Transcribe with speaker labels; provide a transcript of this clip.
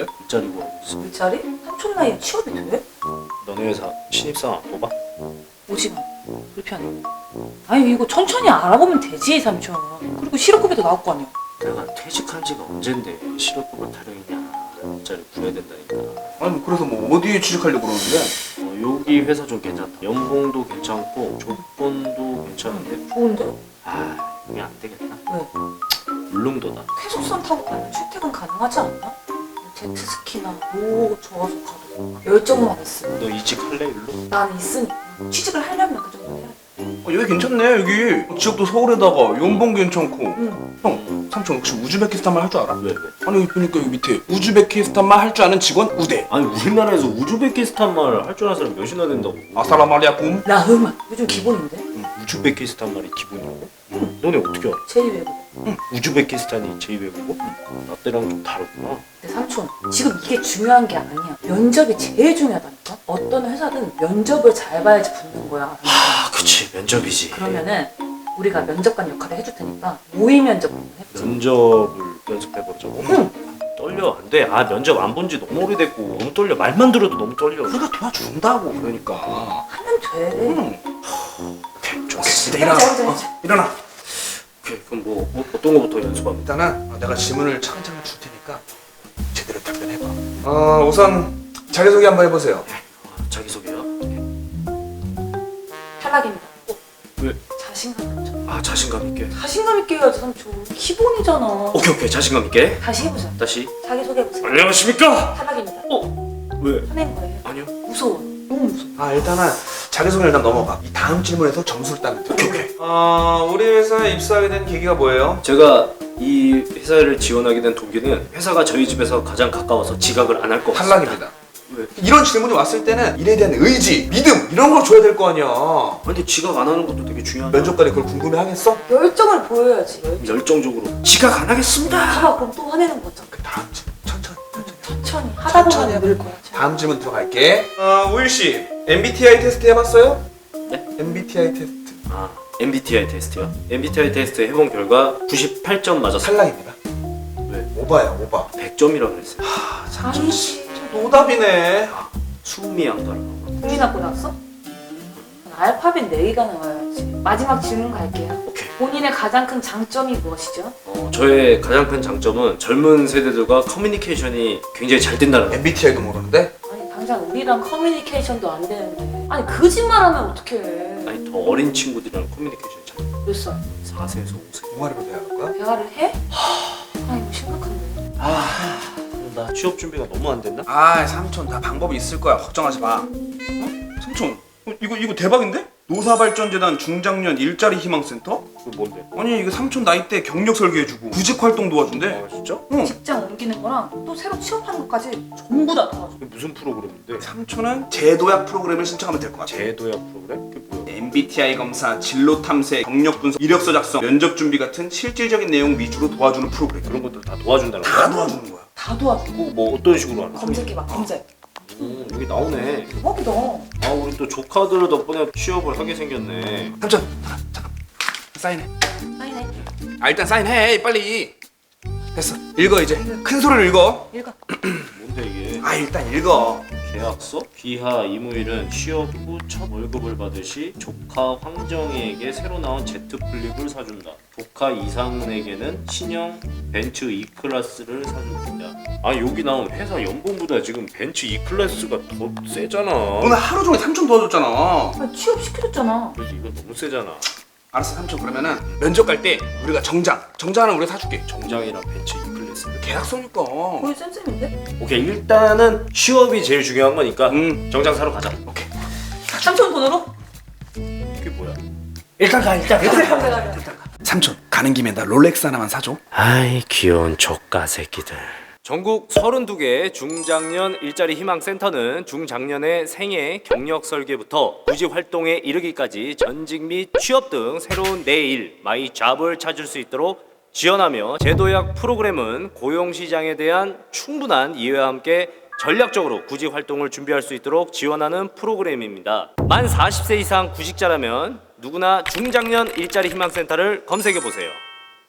Speaker 1: 왜?
Speaker 2: 일자리고 알고 있어.
Speaker 3: 일자리? 삼촌 나이에 취업이 돼?
Speaker 2: 너네 회사 신입사원 안 뽑아?
Speaker 3: 오지마. 불편해. 아니 이거 천천히 알아보면 되지 삼촌. 그리고 실업급여도 나올 거 아니야.
Speaker 2: 내가 퇴직한 지가 언젠데 실업급여 타령이냐. 일자리 구해야 된다니까.
Speaker 1: 아니 그래서 뭐 어디에 취직하려고 그러는데?
Speaker 2: 여기 회사 좀 괜찮다. 연봉도 괜찮고 조건도 괜찮은데
Speaker 3: 좋은데?
Speaker 2: 아 이게 안 되겠다.
Speaker 3: 왜?
Speaker 2: 울릉도다.
Speaker 3: 쾌속선 타고 가면 출퇴근 가능하지 않나? 제트스키나 뭐 좋아서 가도 열정만 있으면.
Speaker 2: 너 이직할래 일로?
Speaker 3: 나는 있으니까 취직을 하려면 그 정도 해야 돼.
Speaker 1: 여기 괜찮네 여기. 지역도 서울에다가 연봉 괜찮고.
Speaker 3: 응.
Speaker 1: 형 삼촌 혹시 우즈베키스탄말 할 줄 알아?
Speaker 2: 왜 왜?
Speaker 1: 아니 여기 보니까 여기 밑에 우즈베키스탄말 할 줄 아는 직원 우대.
Speaker 2: 아니 우리나라에서 우즈베키스탄 말 할 줄 아는 사람 몇이나 된다고?
Speaker 1: 아사라마리아쿰.
Speaker 3: 라흐만 요즘 기본인데?
Speaker 2: 우즈베키스탄 말이 기본이라고? 너네 어떻게 알아?
Speaker 3: 제2외국.
Speaker 2: 우즈베키스탄이 제2외국어? 나 때랑 좀 다르구나.
Speaker 3: 근데 삼촌 지금 이게 중요한 게 아니야. 면접이 제일 중요하다니까. 어떤 회사든 면접을 잘 봐야지 붙는 거야.
Speaker 2: 아 그치 면접이지.
Speaker 3: 그러면은 우리가 면접관 역할을 해줄 테니까 모의 면접 한번 해보자.
Speaker 2: 면접을 연습해보자고?
Speaker 3: 응.
Speaker 2: 떨려 안돼. 아 면접 안 본 지 너무 오래됐고 너무 떨려. 말만 들어도 너무 떨려.
Speaker 1: 우리가 도와준다고 그러니까.
Speaker 3: 하면 돼.
Speaker 2: 오케이 좋았어.
Speaker 1: 일어나.
Speaker 3: 해보자.
Speaker 1: 일어나.
Speaker 2: 오케이 그럼 뭐 어떤 거부터 연습하면?
Speaker 1: 일단은 내가 질문을 차근차근 줄 테니까 제대로 답변해봐. 우선 자기소개 한번 해보세요.
Speaker 2: 자기소개요?
Speaker 3: 탈락입니다.
Speaker 2: 왜?
Speaker 3: 자신감 삼촌.
Speaker 2: 아 자신감 있게.
Speaker 3: 자신감 있게 해야지 삼촌. 기본이잖아.
Speaker 2: 오케이 자신감 있게.
Speaker 3: 다시 해보자.
Speaker 2: 다시.
Speaker 3: 자기소개해보세요.
Speaker 2: 안녕하십니까?
Speaker 3: 탈락입니다.
Speaker 2: 왜?
Speaker 3: 화낸 거예요.
Speaker 2: 아니요.
Speaker 3: 무서워. 너무 무서워.
Speaker 1: 일단은 자기소개 일단 넘어가. 이 다음 질문에서 점수를 따면 돼.
Speaker 2: 오케이.
Speaker 1: 우리 회사에 입사하게 된 계기가 뭐예요?
Speaker 2: 제가 이 회사를 지원하게 된 동기는 회사가 저희 집에서 가장 가까워서 지각을 안 할 것 같습니다.
Speaker 1: 탈락입니다.
Speaker 2: 왜?
Speaker 1: 이런 질문이 왔을 때는 일에 대한 의지, 믿음 이런 걸 줘야 될 거 아니야.
Speaker 2: 근데 지각 안 하는 것도 되게 중요한.
Speaker 1: 면접관이 그걸 궁금해 하겠어?
Speaker 3: 열정을 보여야지.
Speaker 2: 열정적으로 지각 안 하겠습니다.
Speaker 3: 봐봐 그럼 또 화내는 거잖아.
Speaker 1: 그 다음 질문 천천히.
Speaker 3: 천천히 하다
Speaker 1: 천천히
Speaker 3: 보면 늘 거야.
Speaker 1: 다음 질문 들어갈게. 우일 씨, MBTI 테스트 해봤어요?
Speaker 2: 네?
Speaker 1: MBTI 테스트
Speaker 2: 아 MBTI 테스트요? MBTI 테스트 해본 결과 98점 맞았어요.
Speaker 1: 탈락입니다.
Speaker 2: 왜?
Speaker 1: 오바야 오바.
Speaker 2: 100점이라 그랬어요.
Speaker 3: 아니지.
Speaker 1: 노답이네.
Speaker 2: 수미양도라고.
Speaker 3: 국민학교 나왔어? 알파벳 4개가 나와야지. 마지막 질문 갈게요.
Speaker 2: 오케이.
Speaker 3: 본인의 가장 큰 장점이 무엇이죠?
Speaker 2: 저의 가장 큰 장점은 젊은 세대들과 커뮤니케이션이 굉장히 잘 된다는 거.
Speaker 1: MBTI도 모르는데?
Speaker 3: 아니 당장 우리랑 커뮤니케이션도 안 되는데 아니 거짓말하면 어떡해.
Speaker 2: 아니 더 어린 친구들이랑 커뮤니케이션이 잘 돼.
Speaker 3: 몇 살?
Speaker 2: 4세에서 5세.
Speaker 1: 동아리로 대학할 거야?
Speaker 3: 대화를 해? 아 이거 심각한데.
Speaker 2: 나 취업 준비가 너무 안 됐나?
Speaker 1: 삼촌 다 방법이 있을 거야. 걱정하지 마. 삼촌 이거 대박인데? 노사발전재단 중장년 일자리 희망센터?
Speaker 2: 그거 뭔데?
Speaker 1: 아니 이거 삼촌 나이 때 경력 설계해주고 구직 활동 도와준대.
Speaker 2: 아 진짜?
Speaker 1: 응.
Speaker 3: 직장 옮기는 거랑 또 새로 취업하는 것까지 전부 다 도와줘.
Speaker 2: 그게 무슨 프로그램인데?
Speaker 1: 삼촌은 제도약 프로그램을 신청하면 될 것 같아.
Speaker 2: 제도약 프로그램? 그게 뭐야?
Speaker 1: MBTI 검사, 진로 탐색, 경력 분석, 이력서 작성, 면접 준비 같은 실질적인 내용 위주로 도와주는 프로그램.
Speaker 2: 그런 것들 다 도와준다는
Speaker 1: 다
Speaker 2: 거야?
Speaker 1: 도와주는 거야.
Speaker 3: 다 도와줘.
Speaker 2: 그거 뭐 어떤 식으로 하는 거야?
Speaker 3: 검색해봐 검색.
Speaker 2: 여기 나오네.
Speaker 3: 대박이다.
Speaker 2: 아 우리 또 조카들 덕분에 취업을 하게 생겼네.
Speaker 1: 삼촌 잠깐 사인해.
Speaker 3: 사인해.
Speaker 1: 일단 사인해 빨리. 됐어. 읽어 이제. 큰 소리로 읽어.
Speaker 3: 읽어.
Speaker 2: 뭔데 이게?
Speaker 1: 일단 읽어.
Speaker 2: 계약서? 귀하 이무일은 취업 후 첫 월급을 받으시 조카 황정희에게 새로 나온 제트 플립을 사준다. 조카 이상은에게는 신형 벤츠 E클래스를 사준다. 아 여기 나온 회사 연봉보다 지금 벤츠 E클래스가 더 세잖아.
Speaker 1: 오늘 하루 종일 삼촌 도와줬잖아.
Speaker 3: 아, 취업 시켜줬잖아.
Speaker 2: 그래서 이거 너무 세잖아.
Speaker 1: 알았어 삼촌. 그러면은 면접 갈 때 우리가 정장 하나 우리가 사줄게.
Speaker 2: 정장이랑 벤츠 E클래스를.
Speaker 1: 계약서니까.
Speaker 3: 거의 쌤쌤인데?
Speaker 2: 오케이 일단은 취업이 제일 중요한 거니까 정장 사러 가자.
Speaker 1: 오케이.
Speaker 3: 삼촌 돈으로?
Speaker 2: 이게 뭐야?
Speaker 1: 일단 가.
Speaker 3: 내가
Speaker 1: 삼촌 가는 김에 나 롤렉스 하나만 사줘.
Speaker 2: 아이 귀여운 조카 새끼들. 전국 32개 중장년 일자리 희망센터는 중장년의 생애, 경력 설계부터 구직 활동에 이르기까지 전직 및 취업 등 새로운 내일, 마이 잡을 찾을 수 있도록 지원하며 제도약 프로그램은 고용시장에 대한 충분한 이해와 함께 전략적으로 구직 활동을 준비할 수 있도록 지원하는 프로그램입니다. 만 40세 이상 구직자라면 누구나 중장년 일자리 희망센터를 검색해 보세요.